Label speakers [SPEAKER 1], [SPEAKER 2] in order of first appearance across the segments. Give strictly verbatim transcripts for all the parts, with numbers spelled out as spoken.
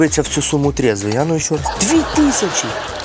[SPEAKER 1] в цю суму трезвий, а ну ще раз. Дві тисячі.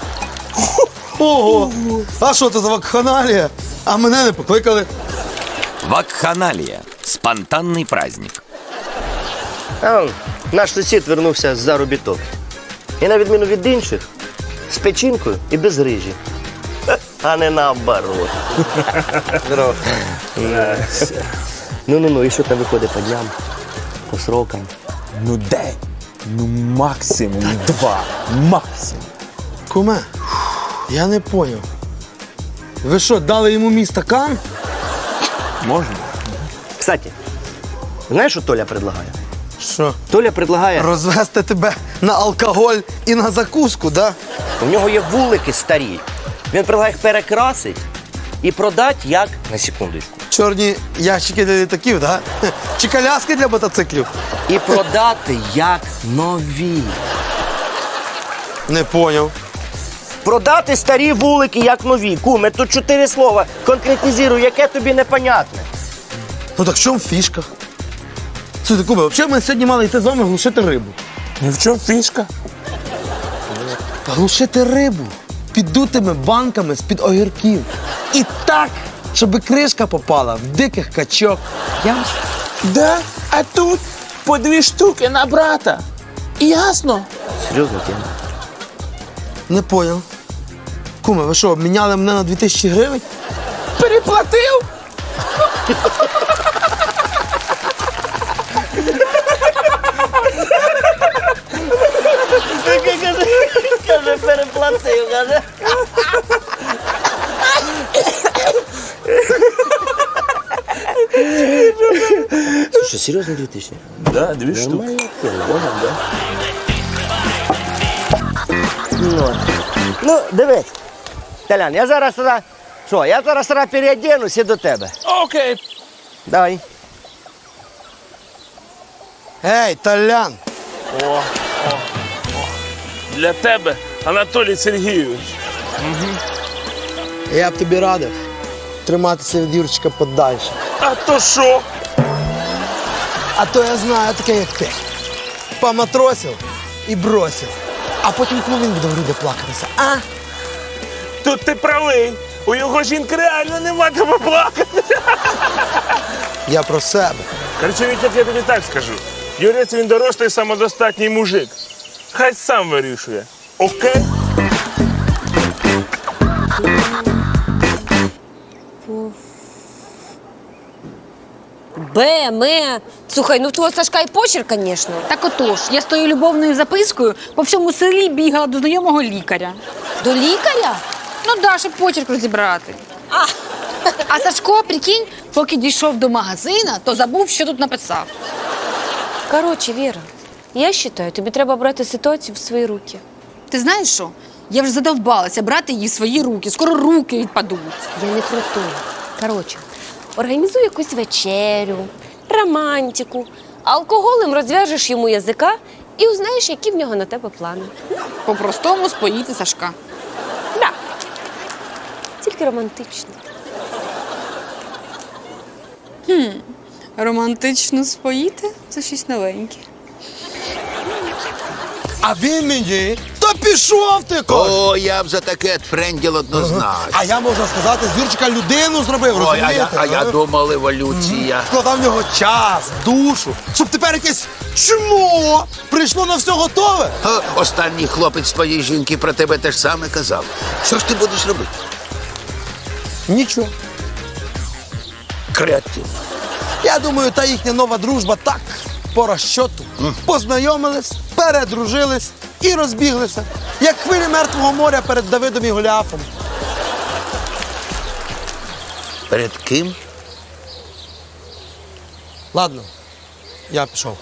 [SPEAKER 2] Ого! А що це за вакханалія? А мене не покликали.
[SPEAKER 3] Вакханалия. Спонтанный праздник.
[SPEAKER 1] А он, наш сусід вернувся з заробіток. І на відміну від інших, з печінкою і без грижі. А не наоборот. Здорово. Ну-ну-ну, і що там виходить по дням, по срокам?
[SPEAKER 4] Ну день, ну максимум два, максимум.
[SPEAKER 2] Куме, я не поняв. Ви що, дали йому мій стакан?
[SPEAKER 4] Можна?
[SPEAKER 1] Кстати, знаєш, що Толя предлагає?
[SPEAKER 2] Що?
[SPEAKER 1] Толя предлагає,
[SPEAKER 2] Розвести тебе на алкоголь і на закуску, да?
[SPEAKER 1] у нього є вулики старі. Він предлагає їх перекрасити і продати як, на секундочку,
[SPEAKER 2] Чорні ящики для літаків, да? Чи коляски для мотоциклів?
[SPEAKER 1] і продати як нові.
[SPEAKER 2] Не поняв.
[SPEAKER 1] Продати старі вулики як нові. Куме, тут чотири слова. Конкретизирую, яке тобі непонятне.
[SPEAKER 2] Ну так в чому фішка? Слухайте, Куме, взагалі ми сьогодні мали йти з вами глушити рибу.
[SPEAKER 4] Ну в чому фішка?
[SPEAKER 2] Глушити рибу піддутими банками з-під огірків. І так, щоб кришка попала в диких качок.
[SPEAKER 4] Ясно. Да, а тут по дві штуки на брата. Ясно?
[SPEAKER 1] Серйозно, тема?
[SPEAKER 2] Не поняв. Куме, ви що, обміняли мене на дві тисячі гривень?
[SPEAKER 4] Переплатив?
[SPEAKER 1] Каже, переплатив, каже. Що, серйозно дві тисячі?
[SPEAKER 4] Да, дві штуки.
[SPEAKER 1] Нормально, можна, да? Ну, ну, дивись. Толян, я зараз, зараз, що, я зараз, зараз переоденусь і до тебе.
[SPEAKER 4] Окей.
[SPEAKER 1] Давай.
[SPEAKER 2] Ей, Толян!
[SPEAKER 5] Для тебе, Анатолій Сергійович.
[SPEAKER 2] Я б тобі радив триматися від Юрчика подальше.
[SPEAKER 5] А то що?
[SPEAKER 2] А то я знаю таке, як ти. Поматросив і бросив. А потім, коли він буде в груди плакатися, а?
[SPEAKER 5] Тут ти правий. У його жінки реально нема тебе плакати.
[SPEAKER 2] Я про себе.
[SPEAKER 5] Короче, Вітя, я тобі так скажу. Юрець він дорослий, самодостатній мужик. Хай сам вирішує. Окей?
[SPEAKER 6] Бе, ме. Слухай, ну в твого Сашка і почерк, звісно.
[SPEAKER 7] Так отож, я з тою любовною запискою по всьому селі бігала до знайомого лікаря.
[SPEAKER 6] До лікаря?
[SPEAKER 7] Ну да, щоб почерк розібрати.
[SPEAKER 6] А,
[SPEAKER 7] А Сашко, прикинь, поки дійшов до магазина, то забув, що тут написав.
[SPEAKER 6] коротше, Віра, я вважаю, тобі треба брати ситуацію в свої руки.
[SPEAKER 7] Ти знаєш що? Я вже задовбалася брати її в свої руки. Скоро руки відпадуть.
[SPEAKER 6] Я не про то. Коротше, організуй якусь вечерю, романтику, алкоголем розв'яжеш йому язика і узнаєш, які в нього на тебе плани.
[SPEAKER 7] По-простому споїти Сашка.
[SPEAKER 6] Да. Тільки романтично.
[SPEAKER 7] Романтично споїти? Це щось новеньке.
[SPEAKER 2] А він мені, то пішов ти, кот!
[SPEAKER 8] О, я б за таке френділ однозначно.
[SPEAKER 2] А я, можна сказати, з Юрчика людину зробив,
[SPEAKER 8] Ой, а
[SPEAKER 2] розумієте?
[SPEAKER 8] я, а я
[SPEAKER 2] а?
[SPEAKER 8] думав, еволюція.
[SPEAKER 2] Вкладав в нього час, душу, щоб тепер якесь чмо прийшло на все готове.
[SPEAKER 8] О, останній хлопець твоєї жінки про тебе те ж саме казав. Що ж ти будеш робити?
[SPEAKER 2] Нічого.
[SPEAKER 8] Креатив.
[SPEAKER 2] Я думаю, та їхня нова дружба так, по розчоту. Познайомились, передружились і розбіглися. Як хвилі Мертвого моря перед Давидом і Голіафом.
[SPEAKER 8] Перед ким?
[SPEAKER 2] Ладно, я пішов.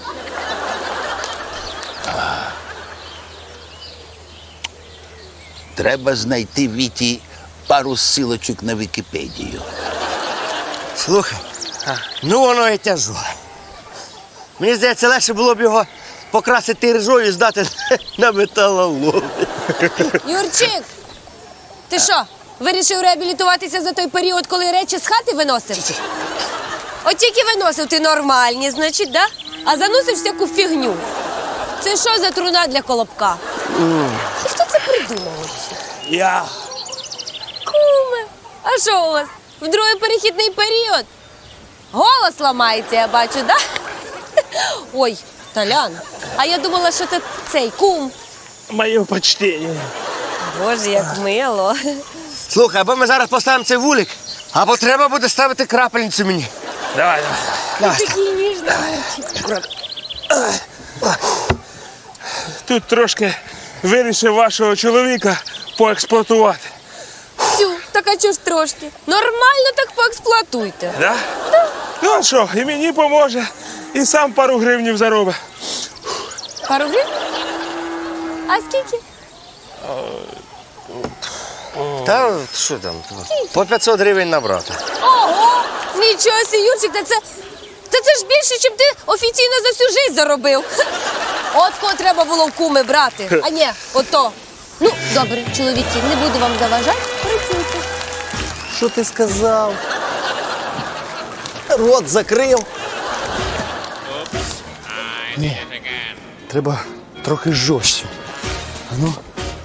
[SPEAKER 8] Треба знайти Віті пару силочок на Вікіпедію.
[SPEAKER 1] Слухай, ну воно і тяжо. Мені здається, легше було б його покрасити ржою і здати на металолом.
[SPEAKER 6] Юрчик, ти що, вирішив реабілітуватися за той період, коли речі з хати виносив? От тільки виносив ти нормальні, значить, да? А заносив всяку фігню. Це що за труна для колобка? І хто це придумав? взагалі?
[SPEAKER 5] Я.
[SPEAKER 6] Куме, а що у вас? В другий перехідний період? Голос ламається, я бачу, да? Ой, Толян, а я думала, що це цей кум.
[SPEAKER 5] Моє почтення.
[SPEAKER 6] Боже, як мило.
[SPEAKER 1] Слухай, або ми зараз поставимо цей вулик, або треба буде ставити крапельницю мені.
[SPEAKER 5] Давай, давай.
[SPEAKER 6] Такий ніжний.
[SPEAKER 5] Тут трошки вирішив вашого чоловіка поексплуатувати.
[SPEAKER 6] Цю, так а чого ж трошки? Нормально так поексплуатуйте.
[SPEAKER 5] Да? Ну а що, і мені поможе, і сам пару гривнів заробить.
[SPEAKER 6] Пару гривень? А скільки?
[SPEAKER 1] Та що там? По п'ятсот гривень на брата.
[SPEAKER 6] Ого! Нічого сі, Юрчик, та це, та це ж більше, чим ти офіційно за всю життя заробив. От кого треба було в куми брати, а ні, ото. Ну, добре, чоловіки, не буду вам заважати, працюйте.
[SPEAKER 2] Що ти сказав? Рот закрив. Ні, треба трохи жорстче. А ну.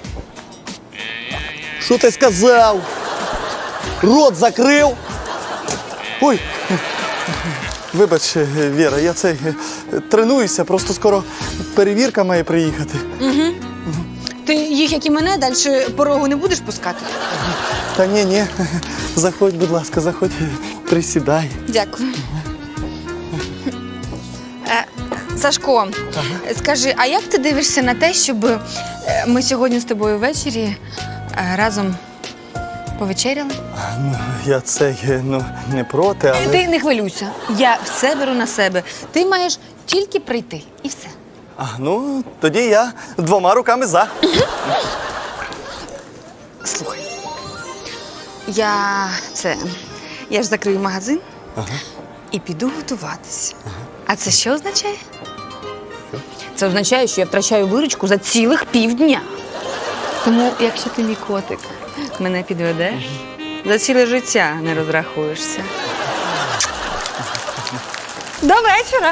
[SPEAKER 2] Що ти сказав? Рот закрив. Ой. Вибач, Віра, я це тренуюся, просто скоро перевірка має приїхати.
[SPEAKER 7] Ти їх, як і мене, далі порогу не будеш пускати?
[SPEAKER 2] Та ні, ні. Заходь, будь ласка, заходь, присідай.
[SPEAKER 7] Дякую. Е, Сашко, скажи, а як ти дивишся на те, щоб е, ми сьогодні з тобою ввечері е, разом повечеряли?
[SPEAKER 2] Ну, я це ну, не проти, але.
[SPEAKER 7] Ти не хвилюйся. Я все беру на себе. Ти маєш тільки прийти. І все.
[SPEAKER 2] А, ну, тоді я двома руками за.
[SPEAKER 7] Слухай. Я це. Я ж закрию магазин і піду готуватися. А це що означає? Це означає, що я втрачаю виручку за цілих півдня. Тому, якщо ти мій котик мене підведеш, за ціле життя не розрахуєшся. До вечора.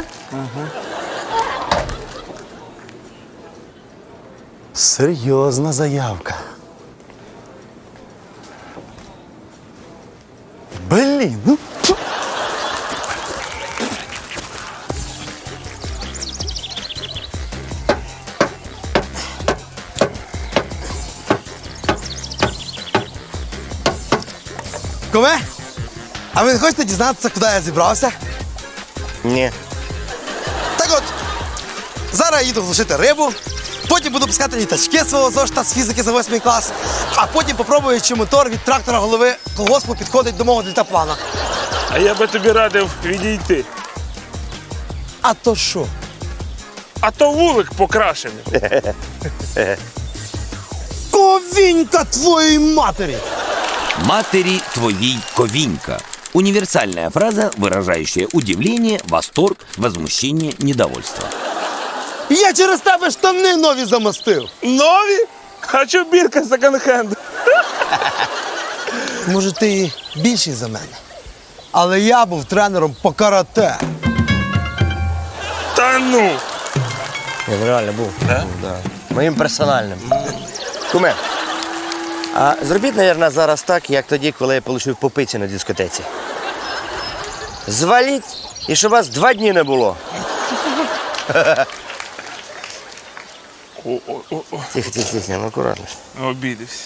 [SPEAKER 2] Серйозна заявка. Блін, ну. тьфу. Кове, а ви не хочете дізнатися, куди я зібрався?
[SPEAKER 1] Ні.
[SPEAKER 2] Так от, зараз я їду глушити рибу, потім буду пускати літачки свого зошита з фізики за восьмий клас, а потім попробую, чи мотор від трактора голови колгоспу підходить до мого дельтаплана.
[SPEAKER 5] А я би тобі радив відійти.
[SPEAKER 2] А то що?
[SPEAKER 5] А то вулик покрашений.
[SPEAKER 2] Ковінька твоєї матері!
[SPEAKER 3] Матери твоей ковинька. Универсальная фраза, выражающая удивление, восторг, возмущение, недовольство.
[SPEAKER 2] Я через тебе штани нові замостив.
[SPEAKER 5] Нові? А чо бірка секонд-хенд?
[SPEAKER 2] Може, ти і більший за мене. Але я був тренером по карате.
[SPEAKER 5] Та ну.
[SPEAKER 1] Він реально був. Да? Да. Моїм персональним. Куме, а зробіть, мабуть, зараз так, як тоді, коли я отримав попиці на дискотеці. Зваліть, і щоб вас два дні не було.
[SPEAKER 5] О-о-о,
[SPEAKER 1] Тихо, тихо, тихо, ну акуратно.
[SPEAKER 5] обідався.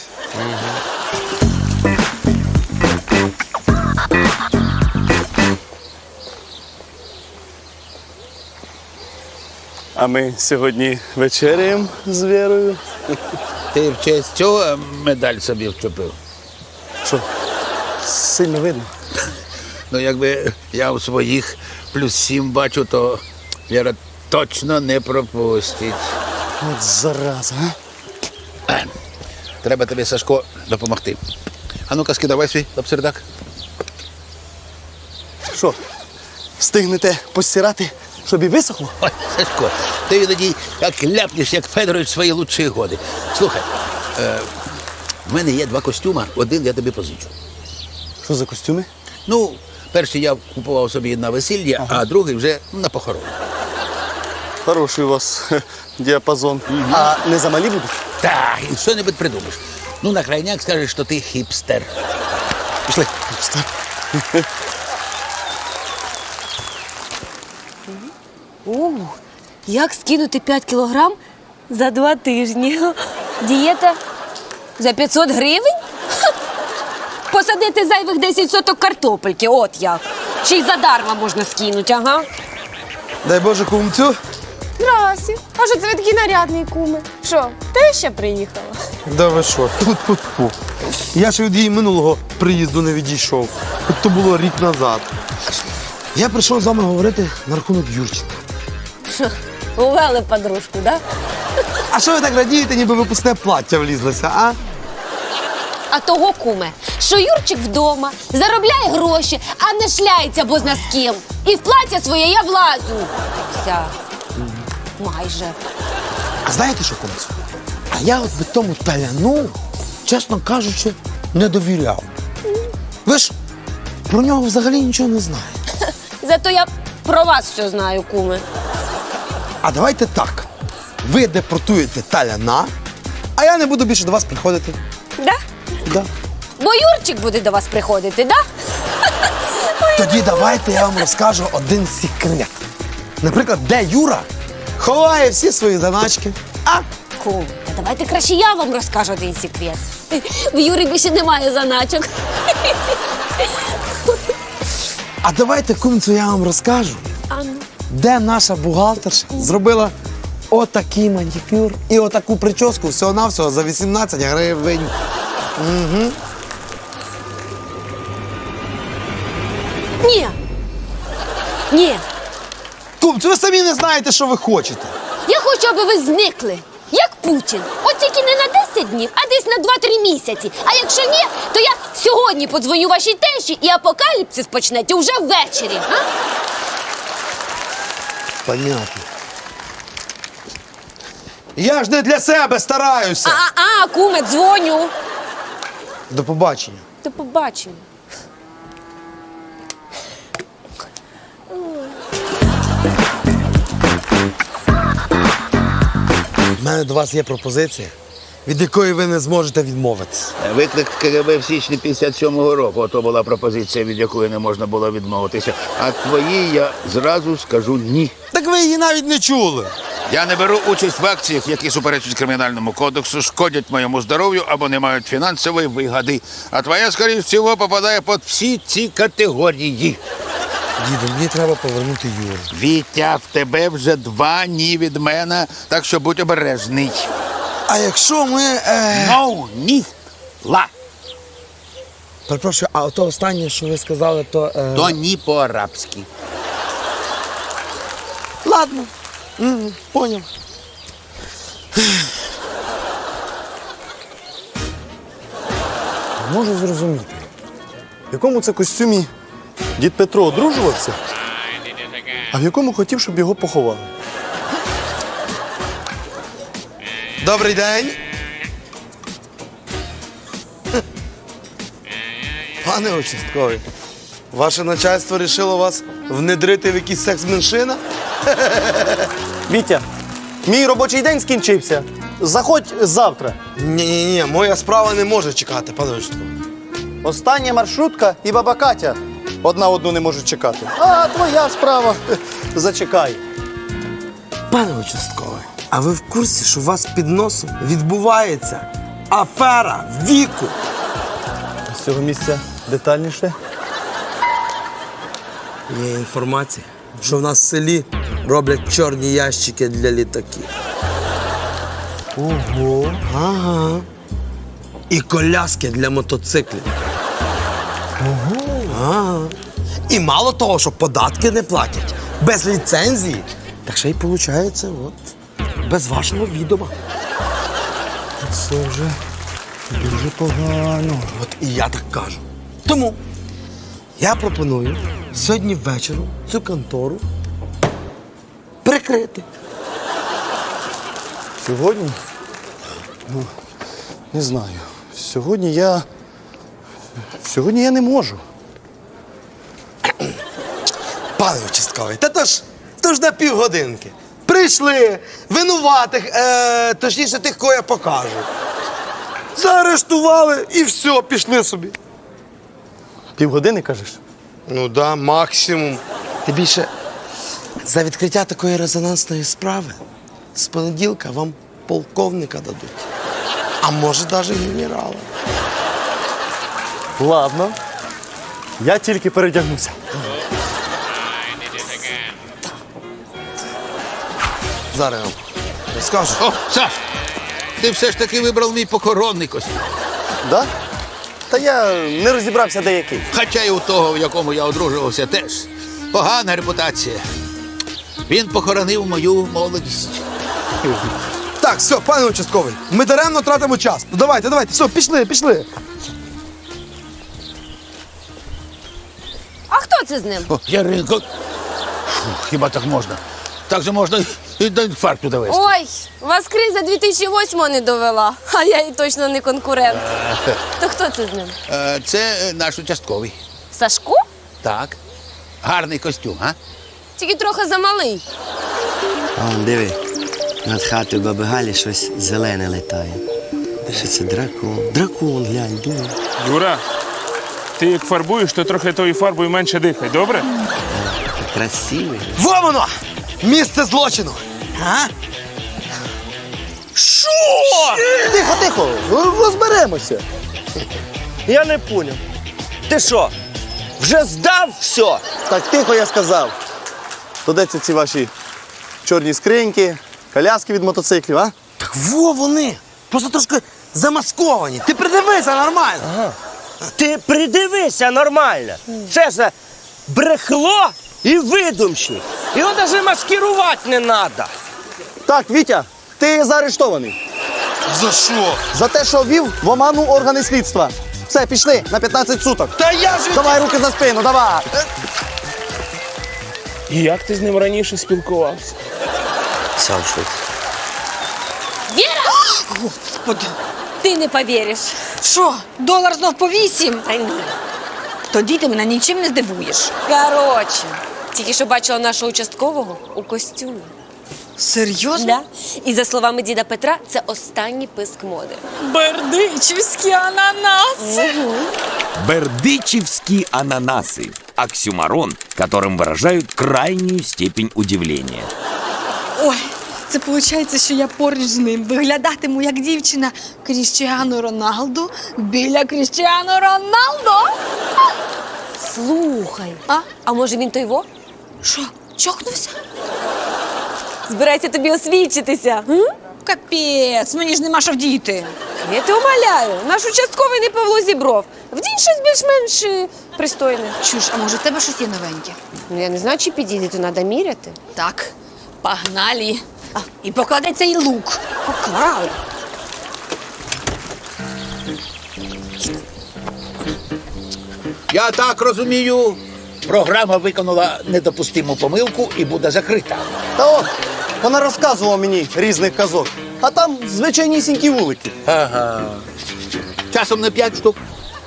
[SPEAKER 2] А ми сьогодні вечеряємо з Вірою.
[SPEAKER 8] Ти в честь цього медаль собі вчепив.
[SPEAKER 2] Що, сильно видно?
[SPEAKER 8] Ну, якби я у своїх плюс сім бачу, то Віра точно не пропустить.
[SPEAKER 2] От зараза, а?
[SPEAKER 8] Треба тобі, Сашко, допомогти. А ну-ка, скидавай свій лапсердак.
[SPEAKER 2] Що, встигнете постирати, щоб і висохло?
[SPEAKER 8] Ой, Сашко, ти тоді як ляпнеш, як Федорович в свої лучші годи. Слухай, е, в мене є два костюма, один я тобі позичу.
[SPEAKER 2] Що за костюми?
[SPEAKER 8] Ну, перший я купував собі на весілля, а другий вже на похорон.
[SPEAKER 2] Хороший у вас
[SPEAKER 9] діапазон. А не замалі будуть?
[SPEAKER 8] Так, і що-небудь придумаєш. Ну, на крайняк скажеш, що ти хіпстер.
[SPEAKER 9] Пішли.
[SPEAKER 6] У, як скинути п'ять кілограм за два тижні? Дієта за п'ятсот гривень? Ха! Посадити зайвих десять соток картопельки, от як. Ще й задарма можна скинути, ага.
[SPEAKER 2] Дай Боже, кумцю.
[SPEAKER 10] Здрасте. А що це ви такий нарядний, куми? Що, ти ще приїхала?
[SPEAKER 2] Да ви що? Тьфу-тьфу-тьфу. Я ще від її минулого приїзду не відійшов. Хоч то було рік назад. Я прийшов з вами говорити на рахунок Юрчика.
[SPEAKER 6] Що, увели подружку, да?
[SPEAKER 2] А що ви так радієте, ніби випускне плаття влізлося, а?
[SPEAKER 6] А того, куме, що Юрчик вдома заробляє гроші, а не шляється бозна з ким. І в плаття своє я влазу. Вся. Майже.
[SPEAKER 2] А знаєте що, кумцю? А я от би тому таляну, чесно кажучи, не довіряв. Ви ж про нього взагалі нічого не знаєте.
[SPEAKER 6] Зато я про вас все знаю, куме.
[SPEAKER 2] А давайте так. Ви депортуєте таляна, а я не буду більше до вас приходити.
[SPEAKER 6] Да?
[SPEAKER 2] Да.
[SPEAKER 6] Бо Юрчик буде до вас приходити, да?
[SPEAKER 2] Тоді давайте я вам розкажу один секрет. Наприклад, де Юра ховає всі свої заначки. А?
[SPEAKER 6] Кум, та давайте краще я вам розкажу один секрет. В Юрі більше немає заначок.
[SPEAKER 2] А давайте, кумцю, я вам розкажу,
[SPEAKER 6] А ну.
[SPEAKER 2] де наша бухгалтерша зробила отакий манікюр і отаку прическу всього-навсього за вісімнадцять гривень. Угу.
[SPEAKER 6] Ні. Ні.
[SPEAKER 2] Кумцю, ви самі не знаєте, що ви хочете.
[SPEAKER 6] Я хочу, аби ви зникли. Як Путін. От тільки не на десять днів, а десь на два-три місяці. А якщо ні, то я сьогодні подзвоню вашій тещі і апокаліпсис почнеться вже ввечері. А?
[SPEAKER 2] Понятно. Я ж не для себе стараюся.
[SPEAKER 6] А, а, куме, дзвоню.
[SPEAKER 2] До побачення.
[SPEAKER 6] До побачення.
[SPEAKER 2] У мене до вас є пропозиція, від якої ви не зможете відмовитися.
[SPEAKER 8] Виклик КГБ в січні п'ятдесят сьомого року. Ото була пропозиція, від якої не можна було відмовитися. А твоїй я зразу скажу ні.
[SPEAKER 2] Так ви її навіть не чули.
[SPEAKER 11] Я не беру участь в акціях, які суперечать Кримінальному кодексу, шкодять моєму здоров'ю або не мають фінансової вигоди. А твоя, скоріш всього, попадає під всі ці категорії.
[SPEAKER 2] Діду, мені треба повернути Юру.
[SPEAKER 11] Вітя, в тебе вже два ні від мене, так що будь обережний.
[SPEAKER 2] А якщо ми... Е...
[SPEAKER 11] Ну, ні, ла.
[SPEAKER 2] Перепрошую, а то останнє, що ви сказали, то... Е...
[SPEAKER 11] То ні по-арабськи.
[SPEAKER 2] Ладно. Угу, поняв.
[SPEAKER 9] Можу зрозуміти, в якому це костюмі дід Петро одружувався, а в якому хотів, щоб його поховали.
[SPEAKER 2] Добрий день. Пане участковий, ваше начальство рішило вас внедрити в якийсь секс-меншина?
[SPEAKER 9] Вітя, мій робочий день скінчився. Заходь завтра.
[SPEAKER 2] Ні-ні-ні, моя справа не може чекати, пане участковий.
[SPEAKER 9] Остання маршрутка і баба Катя одна одну не можуть чекати. А твоя справа. Зачекай.
[SPEAKER 2] Пане участковий, а ви в курсі, що у вас під носом відбувається афера віку?
[SPEAKER 9] З цього місця детальніше.
[SPEAKER 2] Є інформація, що в нас в селі роблять чорні ящики для літаків.
[SPEAKER 9] Ого.
[SPEAKER 2] Ага. І коляски для мотоциклів. Ого. Ага. І мало того, що податки не платять, без ліцензії, так ще й виходить, от, без вашого відома.
[SPEAKER 9] Це вже дуже погано.
[SPEAKER 2] От і я так кажу. Тому я пропоную сьогодні ввечері цю контору прикрити.
[SPEAKER 9] Сьогодні? Ну, не знаю. Сьогодні я. Сьогодні я не можу.
[SPEAKER 2] Пане участковий, та то ж, то ж на півгодинки. При Знайшли винуватих, е, точніше тих, кого я покажу. Заарештували і все, пішли собі.
[SPEAKER 9] Півгодини, кажеш?
[SPEAKER 2] Ну да, максимум. Ти більше за відкриття такої резонансної справи з понеділка вам полковника дадуть. А може навіть генерала.
[SPEAKER 9] Ладно. Я тільки передягнуся.
[SPEAKER 2] Зараз я вам розкажу.
[SPEAKER 11] О, Саш, ти все ж таки вибрав мій похоронний костюм.
[SPEAKER 9] Да? Та я не розібрався, де який.
[SPEAKER 11] Хоча й у того, в якому я одружувався, теж погана репутація. Він похоронив мою молодість.
[SPEAKER 2] Так, все, пане участковий, ми даремно тратимо час. Ну, давайте, давайте, все, пішли, пішли.
[SPEAKER 6] А хто це з ним?
[SPEAKER 11] О, Яринко, Фу, хіба так можна? Так же можна і до інфаркту довести.
[SPEAKER 6] Ой, вас криза дві тисячі восьмого не довела, а я і точно не конкурент. То хто це з ним?
[SPEAKER 11] Е, Це е, наш участковий.
[SPEAKER 6] Сашко?
[SPEAKER 11] Так. Гарний костюм, а?
[SPEAKER 6] Тільки трохи замалий.
[SPEAKER 1] А, диви, над хатою баби Галі щось зелене летає. Що це дракон? Дракон, глянь, диви.
[SPEAKER 5] Юра, ти як фарбуєш, то трохи тою фарбою менше дихай, добре?
[SPEAKER 1] Красивий.
[SPEAKER 2] Во воно! Місце злочину! А? Що?
[SPEAKER 9] Тихо, тихо, розберемося.
[SPEAKER 1] Я не поняв. Ти що, вже здав все?
[SPEAKER 9] Так, тихо, я сказав. То де це ці ваші чорні скриньки, коляски від мотоциклів, а?
[SPEAKER 2] Так во вони! Просто трошки замасковані. Ти придивися нормально.
[SPEAKER 1] Ти придивися нормально. Це ж брехло і видумщик. Його навіть маскирувати не треба.
[SPEAKER 9] Так, Вітя, ти заарештований.
[SPEAKER 2] За що?
[SPEAKER 9] За те, що ввів в оману органи слідства. Все, пішли на п'ятнадцять суток.
[SPEAKER 2] Та я ж...
[SPEAKER 9] Давай руки за спину, давай.
[SPEAKER 5] І як ти з ним раніше спілкувався?
[SPEAKER 1] Сам швид.
[SPEAKER 6] Віра! Господи! Ти не повіриш.
[SPEAKER 7] Що, долар знов по вісім?
[SPEAKER 6] Та ні.
[SPEAKER 7] Тоді ти мене нічим не здивуєш.
[SPEAKER 6] Коротше, тільки що бачила нашого участкового у костюмі.
[SPEAKER 7] Серйозно?
[SPEAKER 6] Да? І за словами діда Петра, це останній писк моди.
[SPEAKER 7] Бердичівські ананаси.
[SPEAKER 3] Бердычевские ананасы – оксюмарон, которым выражают крайнюю степень удивления.
[SPEAKER 7] Ой, це виходить, що я поруч з ним виглядатиму як дівчина Кріштіану Роналду біля Кріштіану Роналдо.
[SPEAKER 6] Слухай,
[SPEAKER 7] А?
[SPEAKER 6] а може він той во?
[SPEAKER 7] Що, чокнувся?
[SPEAKER 6] Збирається тобі освідчитися. М?
[SPEAKER 7] Капець, мені ж нема що вдіти.
[SPEAKER 6] Я тебе умоляю, наш участковий не Павло Зібров. Вдінь щось більш-менш е, пристойне.
[SPEAKER 7] Чуєш, а може в тебе щось є новеньке?
[SPEAKER 6] Ну я не знаю, чи підійде, то треба міряти.
[SPEAKER 7] Так, погнали. А, і покладай цей лук.
[SPEAKER 6] Поклав.
[SPEAKER 11] Я так розумію, програма виконала недопустиму помилку і буде закрита.
[SPEAKER 9] Та от, вона розказувала мені різних казок. А там звичайнісінькі вулики.
[SPEAKER 11] Ага. Часом не п'ять штук.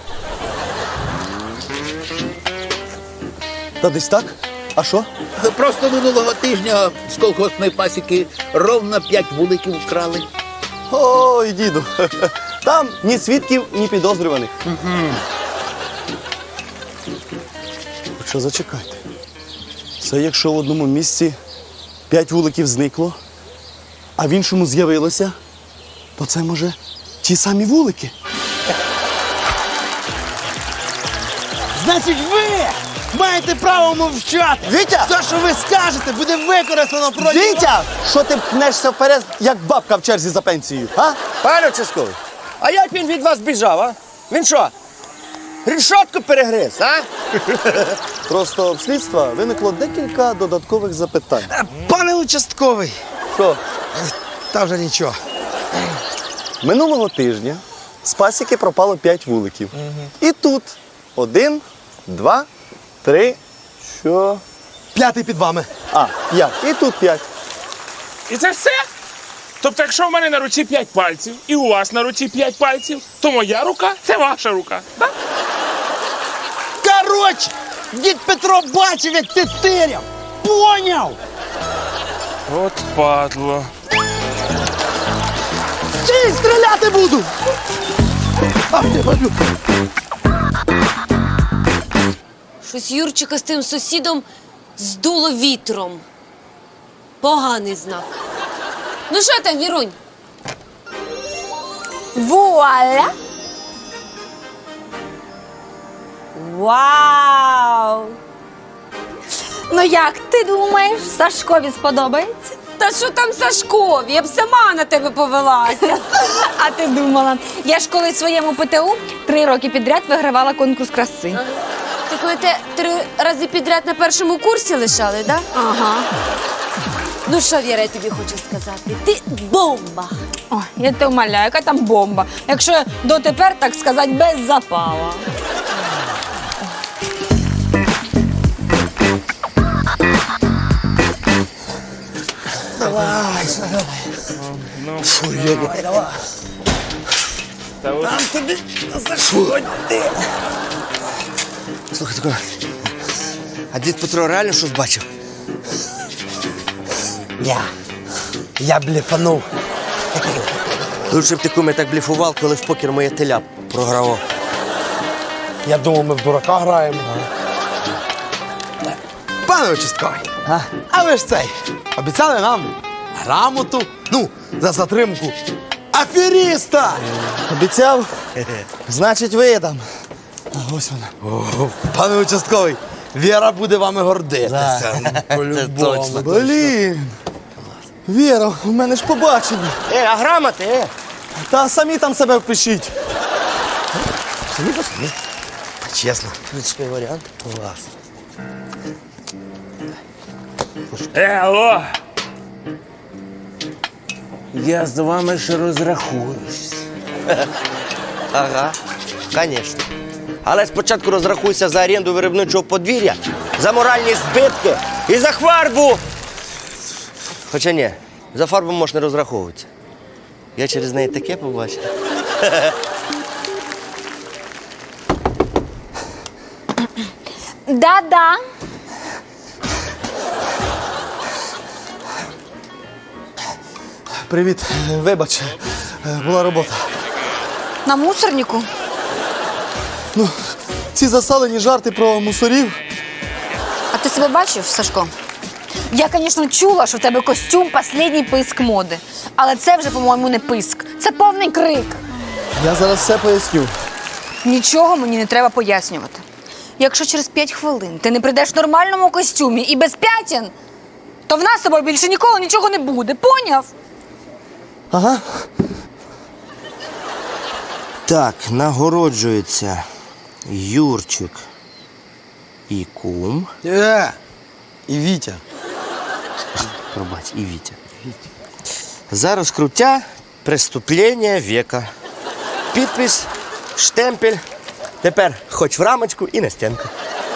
[SPEAKER 9] Та десь так? А що?
[SPEAKER 11] Просто минулого тижня з колгоспної пасіки ровно п'ять вуликів вкрали.
[SPEAKER 9] Ой, діду. Там ні свідків, ні підозрюваних. Хоча зачекайте. Це якщо в одному місці п'ять вуликів зникло, а в іншому з'явилося, то це, може, ті самі вулики.
[SPEAKER 2] Значить, ви маєте право мовчати.
[SPEAKER 9] Вітя!
[SPEAKER 2] Те, що ви скажете, буде використано проти...
[SPEAKER 9] Вітя! Що ти пнешся вперед, як бабка в черзі за пенсією, а?
[SPEAKER 1] Пане участковий, а як він від вас біжав, а? Він що, рішотку перегриз, а?
[SPEAKER 9] Просто в слідства виникло декілька додаткових запитань.
[SPEAKER 2] Пане участковий.
[SPEAKER 9] Що?
[SPEAKER 2] Та вже нічого.
[SPEAKER 9] Минулого тижня з пасіки пропало п'ять вуликів. І тут один, два, три, що?
[SPEAKER 2] П'ятий під вами.
[SPEAKER 9] А, п'ять. І тут п'ять.
[SPEAKER 5] І це все? Тобто, якщо в мене на руці п'ять пальців, і у вас на руці п'ять пальців, то моя рука – це ваша рука, так?
[SPEAKER 2] Коротше, дід Петро бачив, як ти тиряв. Поняв?
[SPEAKER 5] От падло.
[SPEAKER 2] Стій, стріляти буду! А, я бачу.
[SPEAKER 6] Щось Юрчика з тим сусідом здуло вітром. Поганий знак. Ну що там, Вірунь?
[SPEAKER 10] Вуаля!
[SPEAKER 7] Вау! Ну як ти думаєш, Сашкові сподобається?
[SPEAKER 6] Та що там Сашкові? Я б сама на тебе повелася.
[SPEAKER 7] А ти думала, я ж коли в своєму ПТУ три роки підряд вигравала конкурс краси.
[SPEAKER 6] Ти коли те три рази підряд на першому курсі лишали, да?
[SPEAKER 7] Ага.
[SPEAKER 6] Ну що, Віра, я тобі хочу сказати? Ти бомба!
[SPEAKER 7] О, я тебе умоляю, яка там бомба. Якщо дотепер, так сказати, без запала.
[SPEAKER 5] Та от
[SPEAKER 2] Слухай, тако, а дід Петро реально щось бачив? Я. Я блефанув.
[SPEAKER 1] Лучше б ти, куме, так бліфував, коли в покер моє теля програвав.
[SPEAKER 2] Я думав, ми в дурака граємо. Пане участковий, а? а ви ж цей, обіцяли нам грамоту, ну, за затримку аферіста.
[SPEAKER 9] Обіцяв? Значить, видам. А ось вона.
[SPEAKER 2] О, пане участковий, Віра буде вами гордитися. Ну, по-любому.
[SPEAKER 1] точно.
[SPEAKER 9] Блін. Віра, у мене ж побачення.
[SPEAKER 1] Е, а грамоти, е?
[SPEAKER 9] Та самі там себе впишіть.
[SPEAKER 2] Чесно.
[SPEAKER 1] Ключовий варіант.
[SPEAKER 2] Клас.
[SPEAKER 5] Е, алло! Я з вами ще розрахуюсь.
[SPEAKER 1] Ага, звісно. Але спочатку розрахуйся за оренду виробничого подвір'я, за моральні збитки і за фарбу. Хоча ні, за фарбу можеш не розраховуватися. Я через неї таке побачив.
[SPEAKER 7] Да-да.
[SPEAKER 9] Привіт, вибач, була робота.
[SPEAKER 7] На мусорнику?
[SPEAKER 9] Ну, ці засалені жарти про мусорів.
[SPEAKER 7] А ти себе бачив, Сашко? Я, звісно, чула, що в тебе костюм – останній писк моди. Але це вже, по-моєму, не писк. Це повний крик.
[SPEAKER 9] Я зараз все поясню.
[SPEAKER 7] Нічого мені не треба пояснювати. Якщо через п'ять хвилин ти не прийдеш в нормальному костюмі і без п'ятін, то в нас з тобою більше ніколи нічого не буде. Поняв?
[SPEAKER 9] Ага.
[SPEAKER 1] Так, нагороджується Юрчик і кум.
[SPEAKER 2] Е, і Вітя.
[SPEAKER 1] Пробач, і Вітя. За розкруття преступлення века. Підпис, штемпель. Тепер хоч в рамочку і на стінку.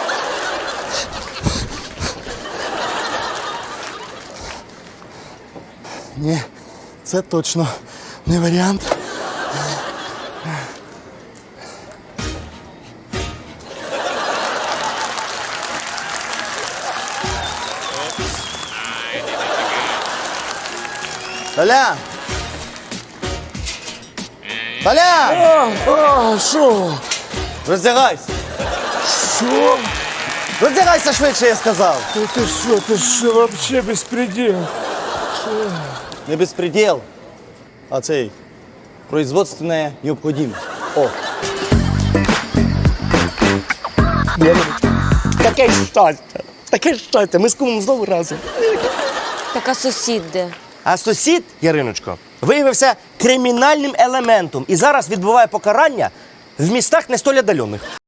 [SPEAKER 9] Ні, це точно не варіант. Толя! Толя!
[SPEAKER 5] А, що?
[SPEAKER 9] Роздягайся!
[SPEAKER 5] Що?
[SPEAKER 9] Роздягайся швидше, я сказав!
[SPEAKER 5] Ти, ти що, ти що, вообще безпреділ?
[SPEAKER 9] Не безпреділ, а цей производственная необходимость. О!
[SPEAKER 1] Таке щастя! Таке щастя! Ми з кумом знову разом.
[SPEAKER 6] Така сусід де.
[SPEAKER 1] А сусід, Яриночко, виявився кримінальним елементом і зараз відбуває покарання в містах не столь отдалених.